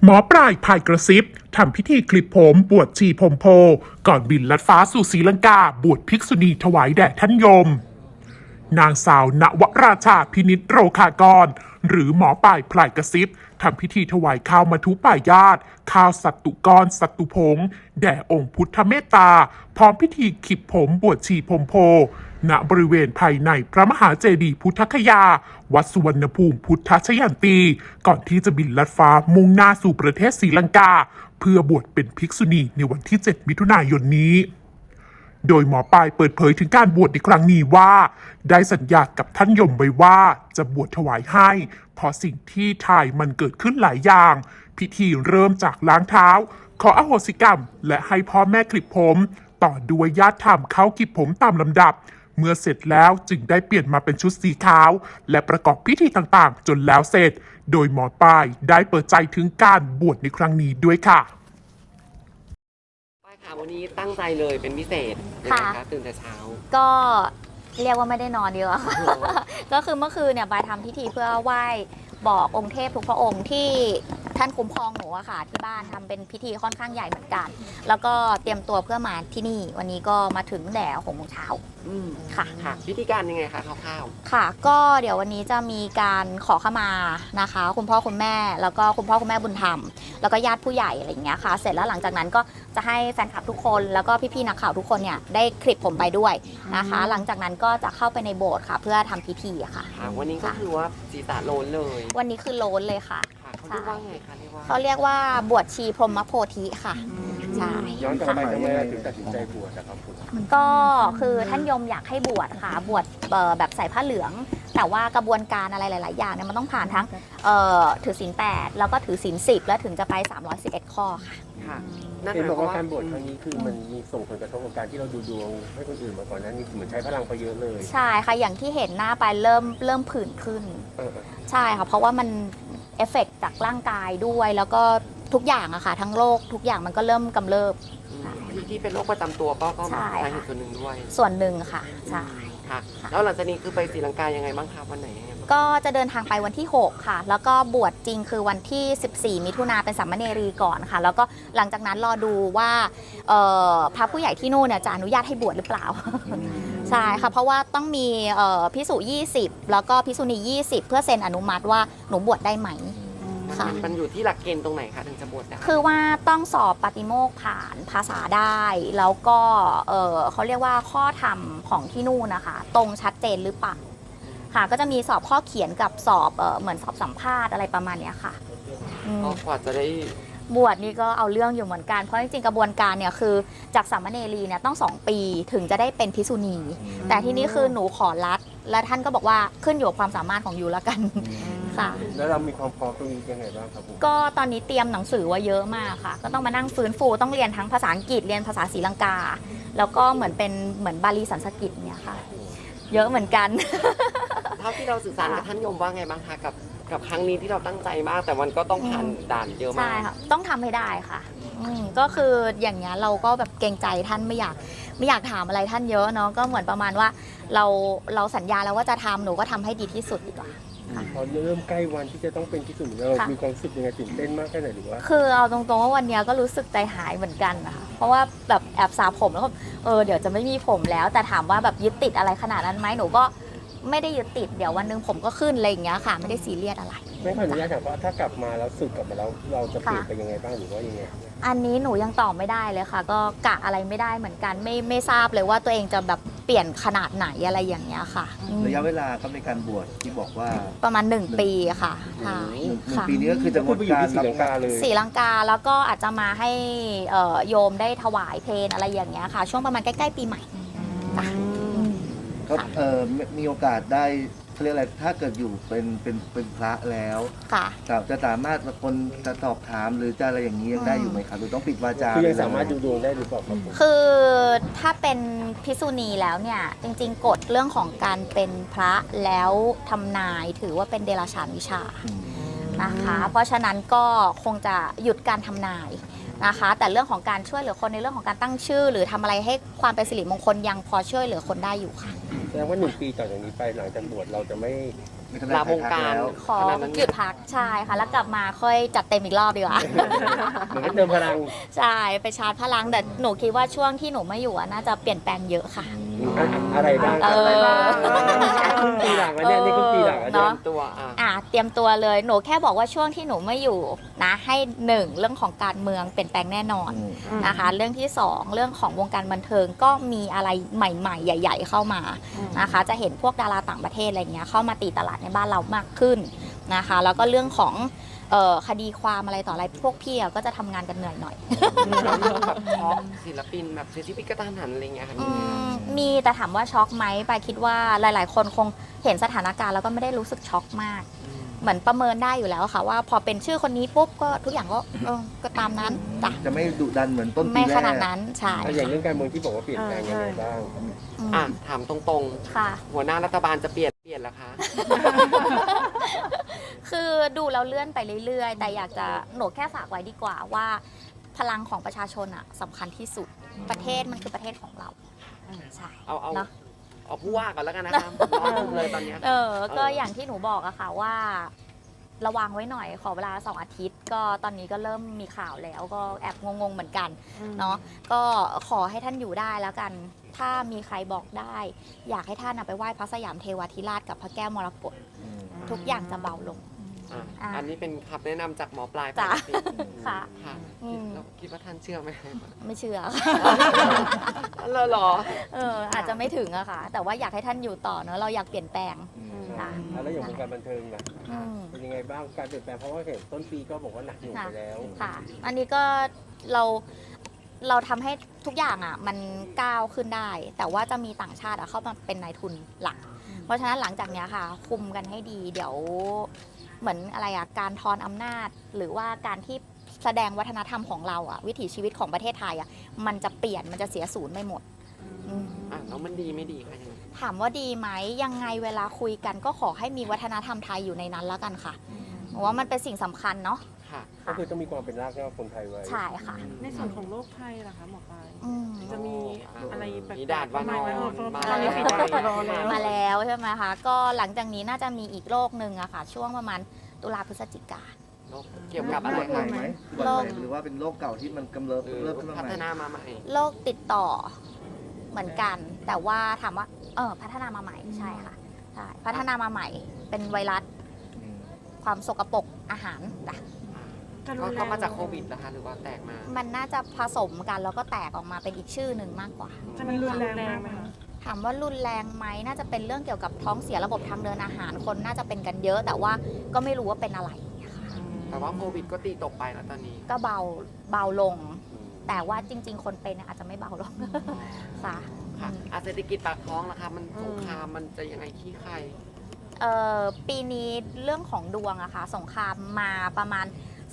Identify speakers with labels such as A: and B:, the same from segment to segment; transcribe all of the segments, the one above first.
A: หมอปลายพายกระซิบทำพิธีคลิปผมบวชชีผมโพก่อนบินลัดฟ้าสู่ศรีลังกาบวชภิกษุณีถวายแด่ท่านยมนางสาวณวราชาพินิจโรคากรหรือหมอปลายพลายกระซิบทำพิธีถวายข้าวมัทุปายาตข้าวสัตตุกรสัตตุพงแด่องค์พุทธเมตตาพร้อมพิธีขิบผมบวชชีผมโพณบริเวณภายในพระมหาเจดีย์พุทธคยาวัดสุวรรณภูมิพุทธชยันตีก่อนที่จะบินลัดฟ้ามุ่งหน้าสู่ประเทศศรีลังกาเพื่อบวชเป็นภิกษุณีในวันที่ 7 มิถุนายนนี้โดยหมอปลายเปิดเผยถึงการบวชในครั้งนี้ว่าได้สัญญากับท่านยมไว้ว่าจะบวชถวายให้เพราะสิ่งที่ทายมันเกิดขึ้นหลายอย่างพิธีเริ่มจากล้างเท้าขออโหสิกรรมและให้พ่อแม่คลิปผมต่อด้วยญาติธรรมเข้าคลิปผมตามลำดับเมื่อเสร็จแล้วจึงได้เปลี่ยนมาเป็นชุดสีขาวและประกอบพิธีต่างๆจนแล้วเสร็จโดยหมอปลายได้เปิดใจถึงการบวชในครั้งนี้ด้วยค่ะ
B: ป้ายค่ะวันนี้ตั้งใจเลยเป็นพิเศษยังไงคะตื่นแต่เช้า
C: ก็เรียกว่าไม่ได้นอนเยอะ ก็คือเมื่อคืนเนี่ยบายทำพิธีเพื่อไหว้บอกองค์เทพทุกพระองค์ที่ท่านคุ้มครองหนูอะค่ะที่บ้านทำเป็นพิธีค่อนข้างใหญ่เหมือนกัน แล้วก็เตรียมตัวเพื่อมาที่นี่วันนี้ก็มาถึงแต่6 โมงเช้า
B: ค่ะพิธีการยังไงคะคร่าว
C: ๆค่ะก็เดี๋ยววันนี้จะมีการขอขมานะคะคุณพ่อคุณแม่แล้วก็คุณพ่อคุณแม่บุญธรรมแล้วก็ญาติผู้ใหญ่อะไรอย่างเงี้ยค่ะเสร็จแล้วหลังจากนั้นก็จะให้แฟนคลับทุกคนแล้วก็พี่ๆนักข่าวทุกคนเนี่ยได้คลิปผมไปด้วยนะคะหลังจากนั้นก็จะเข้าไปในโบสถ์ค่ะเพื่อทำพิธีค่ะ
B: วันนี้ก็คือว่าศีรษะโลนเลย
C: วันนี้คือโลนเลยค่ะ
B: เขาเรียกว่าไงคะ
C: เขาเรียกว่าบวชชีพรหมโพธิค่ะใช่
D: ย้อนกลับไปทำไมถึงตัดสินใจบวชนะครับ
C: ก็คือท่านยมอยากให้บวชค่ะบวชแบบใส่ผ้าเหลืองแต่ว่ากระบวนการอะไรหลายๆอย่างเนี่ยมันต้องผ่านทั้งถือศีล 8แล้วก็ถือศีล 10แล้วถึงจะไป311ข้อ
D: ค่ะเห็นบอกว่าการบวชครั้งนี้คือมันมีส่งผลกระทบกับการที่เราดูดวงให้คนอื่นมาก่อนนั้นนี่เหมือนใช้พลังไปเยอะเลย
C: ใช่ค่ะอย่างที่เห็นหน้าไปเริ่มผื่นขึ้นใช่ค่ะเพราะว่ามันเอฟเฟกต์จากร่างกายด้วยแล้วก็ทุกอย่างอะค่ะทั้งโรคทุกอย่างมันก็เริ่มกำเริบ
B: ที่เป็นโรคประจำตัวก็สาเหตุส่วนหนึ่งด้วย
C: ส่วนหนึ่งค่ะใช่
B: ค่ะแล้วหลังจากนี้คือไปศรีลังกายังไงบ้างคะวันไหน
C: ก็จะเดินทางไปวันที่6ค่ะแล้วก็บวชจริงคือวันที่14 มิถุนาเป็นสามเณรีก่อนค่ะแล้วก็หลังจากนั้นรอดูว่าพระผู้ใหญ่ที่นู่นเนี่ยจะอนุญาตให้บวชหรือเปล่าใช่ค่ะเพราะว่าต้องมีภิกษุ20แล้วก็ภิกษุณี20เพื่อเซ็นอนุมัติว่าหนูบวชได้ไหม
B: มันอยู่ที่หลักเกณฑ์ตรงไหนคะถึงจะบวชได้
C: คือว่าต้องสอบปฏิโมกข์ผ่านภาษาได้แล้วก็เขาเรียกว่าข้อธรรมของที่นู่นนะคะตรงชัดเจนหรือเปล่าค่ะก็จะมีสอบข้อเขียนกับสอบเหมือนสอบสัมภาษณ์อะไรประมาณนี้ค่ะ
B: ก็กว่าจะได้
C: บวชนี่ก็เอาเรื่องอยู่เหมือนกันเพราะจริงๆกระบวนการเนี่ยคือจากสามเณรีเนี่ยต้อง2 ปีถึงจะได้เป็นภิกษุณีแต่ที่นี่คือหนูขอรัดและท่านก็บอกว่าขึ้นอยู่กับความสามารถของยูแล้วกันค่ะ
D: แล้วเรามีความพร้อมตรงนี้ยังไงบ้างครับ
C: ก็ตอนนี้เตรียมหนังสือไว้เยอะมากค่ะก็ต้องมานั่งฟื้นฟูต้องเรียนทั้งภาษาอังกฤษเรียนภาษาศรีลังกาแล้วก็เหมือนบาลีสันสกฤตเนี่ยค่ะเยอะเหมือนกัน
B: เท่าที่เราสื่อสารกับท่านยมว่าไงบ้างคะกับครั้งนี้ที่เราตั้งใจมากแต่มันก็ต้องผ่านด่านเยอะมาก
C: ใช่ค่ะต้องทำให้ได้ค่ะก็คืออย่างเงี้ยเราก็แบบเกรงใจท่านไม่อยากถามอะไรท่านเยอะเนาะก็เหมือนประมาณว่าเราสัญญาแล้วว่าจะทำหนูก็ทำให้ดีที่สุดดีกว่า
D: พอเริ่มใกล้วันที่จะต้องเป็นที่สุดเรามีความรู้สึกยังไงตื่นเต้นมากแค่ไหนหรือว่า
C: คือเอาตรงๆว่าวันนี้ก็รู้สึกใจหายเหมือนกันนะคะเพราะว่าแบบแอบสระผมแล้วก็เดี๋ยวจะไม่มีผมแล้วแต่ถามว่าแบบยึดติดอะไรขนาดนั้นไหมหนูก็ไม่ได้ยึดติดเดี๋ยววันนึงผมก็ขึ้นอะไรอย่างเงี้ยค่ะไม่ได้ซีเรียสอะไร
D: ไม่ขออนุญาตถามว่าถ้ากลับมาแล้วสึกกลับมาแล้วเราจะเปลี่ยนไปยังไงบ้างหรือว่ายังไง
C: อันนี้หนูยังตอบไม่ได้เลยค่ะก็กะอะไรไม่ได้เหมือนกันไม่ทราบเลยว่าตัวเองจะแบบเปลี่ยนขนาดไหนอะไรอย่างเงี้ยค่ะ
E: ระยะเวลาก็ในการบวชที่บอกว่า
C: ประมาณ1 ปีค่ะ
E: 1 ปีนี้ก็คือจะ
D: พูดไปอยู่ที่ศรีลังกาเลย
C: ศรีลังกาแล้วก็อาจจะมาให้โยมได้ถวายเพลอะไรอย่างเงี้ยค่ะช่วงประมาณใกล้ๆปีใหม่
E: ก็มีโอกาสได้เขาเรียกอะไรถ้าเกิดอยู่เป็นพระแล้วจะสามารถคนจะสอบถามหรือจะอะไรอย่างนี้ยังได้อยู่ไหมครับหรือต้องปิดวาจา
D: คือยังสามารถดูดวงได้หรือเปล่าครับ
C: คือถ้าเป็นภิกษุณีแล้วเนี่ยจริงๆกฎเรื่องของการเป็นพระแล้วทำนายถือว่าเป็นเดรัจฉานวิชานะคะเพราะฉะนั้นก็คงจะหยุดการทำนายนะคะแต่เรื่องของการช่วยเหลือคนในเรื่องของการตั้งชื่อหรือทำอะไรให้ความเป็นสิริมงคลยังพอช่วยเหลือคนได้อยู่ค่ะ
D: แสดงว่า1 ปีต่อจากนี้ไปหลังจากบวชเราจะไม่
E: มีทนาย
B: ลาวงการ
E: แล้ว
C: ขอ
B: ขนาดนั้น
C: หยุดพักใช่ค่ะ แล้วกลับมาค่อยจัดเต็มอีกรอบดีกว่า
D: เหมือนกับเติมพลัง
C: ใช่ไปชาร์จพลังแต่หนูคิดว่าช่วงที่หนูไม่อยู่อะน่าจะเปลี่ยนแปลงเยอะค่ะ
D: อะไรบ้าง
C: เออ
D: ครึ่งปีหลังแล้วเนี่ยนี่ครึ่งปีหลังแล้ว
B: เตรี
D: เนี่ย
B: ยมตัว
C: เตรียมตัวเลยหนูแค่บอกว่าช่วงที่หนูไม่อยู่นะให้หนึ่งเรื่องของการเมืองเปลี่ยนแปลงแน่นอนนะคะ เรื่องที่สองเรื่องของวงการบันเทิงก็มีอะไรใหม่ๆ ใหญ่ ๆ เข้ามานะคะ จะเห็นพวกดาราต่างประเทศอะไรเงี้ยเข้ามาตีตลาดในบ้านเรามากขึ้นนะคะ แล้วก็เรื่องของคดีความอะไรต่ออะไรพวกพี่ก็จะทำงานกันเหนื่อยหน่อย
B: แบบช็อกศิลปินแบบเสียชีวิตกระทันหันอะไรเงี้ยค่ะมีไหมคะ
C: มีแต่ถามว่าช็อกไหมปายคิดว่าหลาย ๆ คนคงเห็นสถานการณ์แล้วก็ไม่ได้รู้สึกช็อกมาก เหมือนประเมินได้อยู่แล้วค่ะว่าพอเป็นชื่อคนนี้ปุ๊บก็ทุกอย่างก็ตามนั้นจ้ะ
E: จะไม่ดุดันเหมือนต้นปี
C: ไม่
E: แรก
C: ขนาดนั้นใช่
D: อย่างเรื่องการเมืองที่บอกว่าเปลี่ยนแปลงยังไงบ้าง
B: ถามตรง
C: ค่ะ
B: ๆ หัวหน้ารัฐบาลจะเปลี่ยนแล้วคะ
C: คือดูแล้วเลื่อนไปเรื่อย ๆ แต่อยากจะหนูแค่ฝากไว้ดีกว่าว่า พลังของประชาชนสำคัญที่สุดประเทศมันคือประเทศของเราใช่
B: เอา
C: เนาะ
B: ผู้ว่าก่อนแล้วกันนะคะรอดูเลยตอนเนี้ย
C: ก็อย่างที่หนูบอกอะค่ะว่า ระวังไว้หน่อยขอเวลา2 อาทิตย์ ก็ตอนนี้ก็เริ่มมีข่าวแล้วก็แอบงงๆเหมือนกันเนาะก็ขอให้ท่านอยู่ได้แล้วกัน ถ้ามีใครบอกได้ อยากให้ท่านไปไหว้พระสยามเทวาธิราชกับพระแก้วมรกตทุกอย่างจะเบาลง
B: อันนี้เป็นคำแนะนำจากหมอปลาย
C: จ้ะ
B: ปกติ
C: ค่ะ
B: ค่ะ เราคิดว่าท่านเชื่อไหม
C: ไม่เชื่อ
B: เหรอ
C: อาจจะไม่ถึงอะค่ะ แต่ว่าอยากให้ท่านอยู่ต่อเนอะเราอยากเปลี่ยนแปลง ค่ะ
D: แล้วอย่างวงการบันเทิงล่ะ
C: อืม
D: เป็นยังไงบ้างการเปลี่ยนแปลงเพราะว่าเห็นต้นปีก็บอกว่าหนักหน่วงไปแล้ว
C: ค่ะ อันนี้ก็เราทำให้ทุกอย่างมันก้าวขึ้นได้ แต่ว่าจะมีต่างชาติเข้ามาเป็นนายทุนหลัก เพราะฉะนั้นหลังจากเนี้ยค่ะ คุมกันให้ดี เดี๋ยวเหมือนอะไรการทอนอำนาจ หรือว่าการที่แสดงวัฒนธรรมของเราวิถีชีวิตของประเทศไทยมันจะเปลี่ยนมันจะเสียศูนย์ไม่หมด
B: แล้วมันดีไม่ดีคะยังไง
C: ถามว่าดีไหมยังไงเวลาคุยกันก็ขอให้มีวัฒนธรรมไทยอยู่ในนั้นแล้วกันค่ะเพราะว่ามันเป็นสิ่งสำคัญเนาะ
B: ค่ะ
D: ก็คือต้องมีความเป็นรากเหง้าคนไทยไว้
C: ใช่ค่ะ
F: ในส่วนของโลกไทยล่ะคะหมอปลาย
C: อืม
F: จะมีอะไรแปลกๆ
B: มีด่านวานอน
F: มา
B: มา
F: แล้ว
B: แล้ว
C: มาแล้วใช่ไหมคะก็หลังจากนี้น่าจะมีอีกโรคหนึ่งอะค่ะ ช่วงประมาณตุลาพฤศจิกา
B: เกี่ยวกับอะไร
E: ให
B: คะ
E: ม่ไหม
C: โรค
E: หรือว่าเป็นโรคเก่าที่มันกำเริบ
B: หรือ
E: เริ่มขึ้นมา
B: พั
E: ให
B: ฒ
E: ม่
B: นามาใหม่
C: โรคติดต่อเหมือนกัน แต่ว่าถามว่าพัฒนามาใหม่ใช่ค่ะใช่พัฒนามาใหม่เป็นไวรัสความสกปรกอาหารจ้ะ
B: ก็มาจากโควิดนะคะหรือว่าแตกมา
C: มันน่าจะผสมกันแล้วก็แตกออกมาเป็นอีกชื่อหนึ่งมากกว่า
F: มันรุนแรงไหมคะ
C: ถามว่ารุนแรงไหมน่าจะเป็นเรื่องเกี่ยวกับท้องเสียระบบทางเดินอาหารคนน่าจะเป็นกันเยอะ แต่ว่าก็ไม่รู้ว่าเป็นอะไรค่ะ
B: แต่ว่าโควิดก็ตีตกไปแล้วตอนนี้
C: ก็เบาลง แต่ว่าจริง ๆ คนเป็นอาจจะไม่เบาลง ค่ะ
B: ค่ะเศรษฐกิจปากท้องล่ะคะมันสงครามมันจะยังไงขี้ใคร
C: ปีนี้เรื่องของดวงอะค่ะสงครามมาประมาณ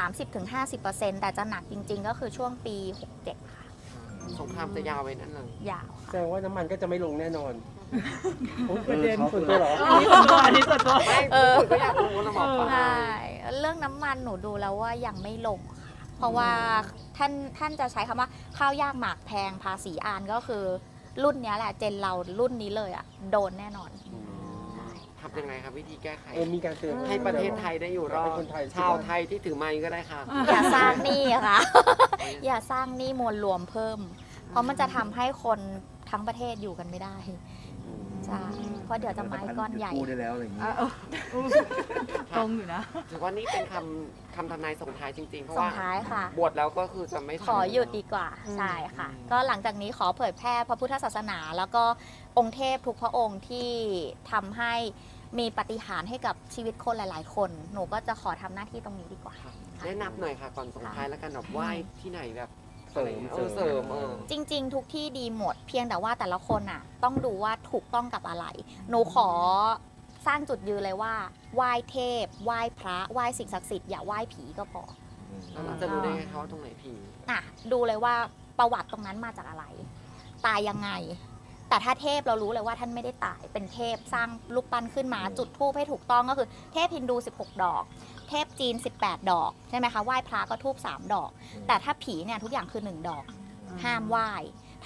C: 30-50%แต่จะหนักจริง ๆ ก็คือช่วงปี 67 ค่ะ
B: สงครามจะยาวไว้นั่นเลย
C: ยาว
D: แสดงว่าน้ำมันก็จะไม่ลงแน่นอน
E: ประเด็นส่วน
D: ตัวเหรอ
F: อันนี้ส่วนตัว
B: ไม่คนก็อยากรู้นะหมอปลา
C: ใช่เรื่องน้ำมันหนูดูแล้วว่ายังไม่ลงค่ะเพราะว่าท่านจะใช้คำว่าข้าวยากหมากแพงภาษีอานก็คือรุ่นเนี้ยแหละเจนเรารุ่นนี้เลยโดนแน่นอน
B: ทำยังไงครับวิธีแก้ไข
D: มีการเตือน
B: ให้ประเทศไทยได้อยู่รอ
D: ให้
B: ด
D: คนไทย
B: ชาวไทยที่ถือไม้ก็ได้ค่ะ
C: อย่าสร้างหนี้ค่ะ อย่าสร้างหนี้มวลรวมเพิ่ม เพราะมันจะทำให้คนทั้งประเทศอยู่กันไม่ได้ใช่เพราะเดี๋ยวจะไม้ก้อนใหญ่
E: กู้ได้แล้วอะไรอย่างเงี้ย
F: ตรงอยู่นะ
B: ถือว่านี่เป็นคำทำนายส่งท้ายจริงๆ เพราะ
C: ส่ง
B: ว่า
C: ท้ายค่ะ
B: บวชแล้วก็คือจะไม่
C: ขอหยุดดีกว่าใช่ค่ะ ก็หลังจากนี้ขอเผยแพร่พระพุทธศาสนา แล้วก็องค์เทพทุกพระองค์ที่ทำให้มีปาฏิหาริย์ให้กับชีวิตคนหลาย ๆ คน หนูก็จะขอทำหน้าที่ตรงนี้ดีกว่า
B: แนะนำหน่อยค่ะก่อนส่งท้ายแล้วกันแบบไหว้ที่ไหนแบบ
D: เสริม
B: เสริม
C: จริง ๆ ทุกที่ดีหมด เพียงแต่ว่าแต่ละคนต้องดูว่าถูกต้องกับอะไร หนูขอสร้างจุดยืนเลยว่าไหว้เทพไหว้พระไหว้สิ่งศักดิ์สิทธิ์อย่าไหว้ผีก็พอ
B: แล้วเราจะรู้ได้ไงคะว่าตรงไหนผี
C: ดูเลยว่าประวัติตรงนั้นมาจากอะไร ตายยังไง แต่ถ้าเทพเรารู้เลยว่าท่านไม่ได้ตายเป็นเทพสร้างรูปปั้นขึ้นมาจุดธูปให้ถูกต้องก็คือเทพฮินดู16 ดอก เทพจีน18 ดอกใช่ไหมคะไหว้พระก็ธูป3 ดอก แต่ถ้าผีเนี่ยทุกอย่างคือ1 ดอก ห้ามไหว้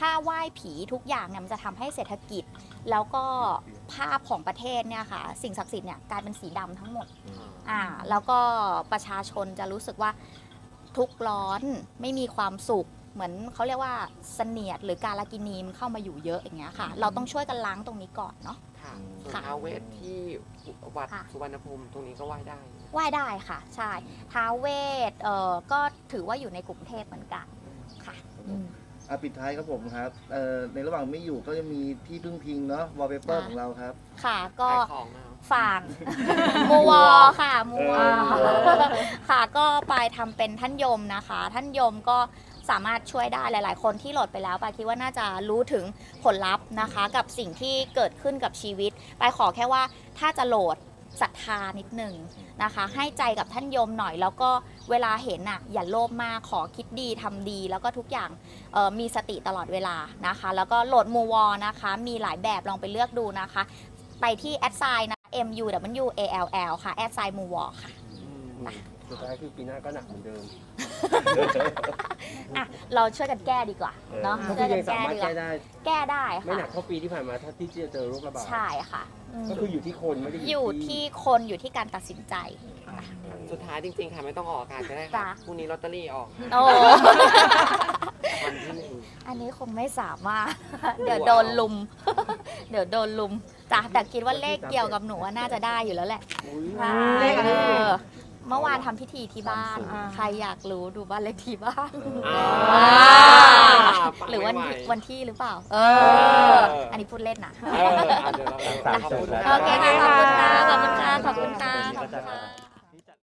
C: ถ้าไหว้ผีทุกอย่างเนี่ยมันจะทำให้เศรษฐกิจ แล้วก็ภาพของประเทศเนี่ยค่ะสิ่งศักดิ์สิทธิ์เนี่ยกลายเป็นสีดำทั้งหมดแล้วก็ประชาชนจะรู้สึกว่าทุกข์ร้อนไม่มีความสุขเหมือนเขาเรียกว่าเสนียดหรือการลกินีมันเข้ามาอยู่เยอะอย่างเงี้ยค่ะเราต้องช่วยกันล้างตรงนี้ก่อนเนาะ
B: ค่ะส่วนท้าวเวสที่วัดสุวรรณภูมิตรงนี้ก็ไหว้ได้
C: ไหว้ได้ค่ะใช่ท้าวเวสก็ถือว่าอยู่ในกรุงเทพเหมือนกันค่ะ
E: ปิดท้ายครับผมครับในระหว่างไม่อยู่ก็จะมีที่พึ่งพิงเนาะวอลเปเปอร์ของเราครับ
C: ค่ะก็
B: ขายของนะ
C: ฝากมูวอค่ะมูวอค่ะก็ไปทำเป็นท่านยมนะคะ ท่านยมก็สามารถช่วยได้หลาย ๆ คนที่โหลดไปแล้วปาคิดว่าน่าจะรู้ถึงผลลัพธ์นะคะกับสิ่งที่เกิดขึ้นกับชีวิตปาขอแค่ว่าถ้าจะโหลดศรัทธานิดหนึ่งนะคะให้ใจกับท่านยมหน่อยแล้วก็เวลาเห็นอย่าโลภมากขอคิดดีทำดีแล้วก็ทุกอย่างมีสติตลอดเวลานะคะแล้วก็โหลดมูวอนะคะมีหลายแบบลองไปเลือกดูนะคะไปที่แอดไซน์นะ MUWALL ค่ะแอดไซน์มูวอค่ะ
D: สุดท้ายคือปีหน้าก็หนักเหมือนเดิม
C: เราช่วยกันแก้ดีกว่าเนาะ
D: ก็
C: ช่
D: คื
C: วย
D: อ
C: กั
D: ยั
C: น
D: งสา
C: แก้
D: มารถ
C: ดีกว่า
D: แก้ได้
C: แก้ได้
D: ไม่
C: ค่ะ
D: หนักเท่าปีที่ผ่านมาถ้าที่จะเจอโรคระบาด
C: ใช่ค่ะ
D: ก็คืออยู่ที่คนไม่ได้
C: อยู่ที่คนอยู่ที่การตัดสินใจ
B: สุดท้ายจริงๆค่ะไม่ต้องออกอากาศก็ได้
C: จ้ะ
B: ค่ะพรุ่งนี้ลอตเตอรี่ออก
C: โอ้
B: วันที่หนึ่ง
C: อันนี้คงไม่สามารถ เดี๋ยวโดนลุม เดี๋ยวโดนลุมจ้ะแต่คิดว่าเลขเกี่ยวกับหนูว่าน่าจะได้อยู่แล้วแหละ
F: เลขอะไร
C: เมื่อวานทำพิธีที่บ้าน ใครอยากรู้ดูบ้านเลขที่บ้าน หรือวันที่หรือเปล่า อันนี้พูดเล่นนะ
B: เดี๋ยวเราขอบคุณ
C: โอเคค่ะขอบคุณค่ะ ขอบคุณค่ะ ขอบคุณค่ะ ขอบคุณค่ะ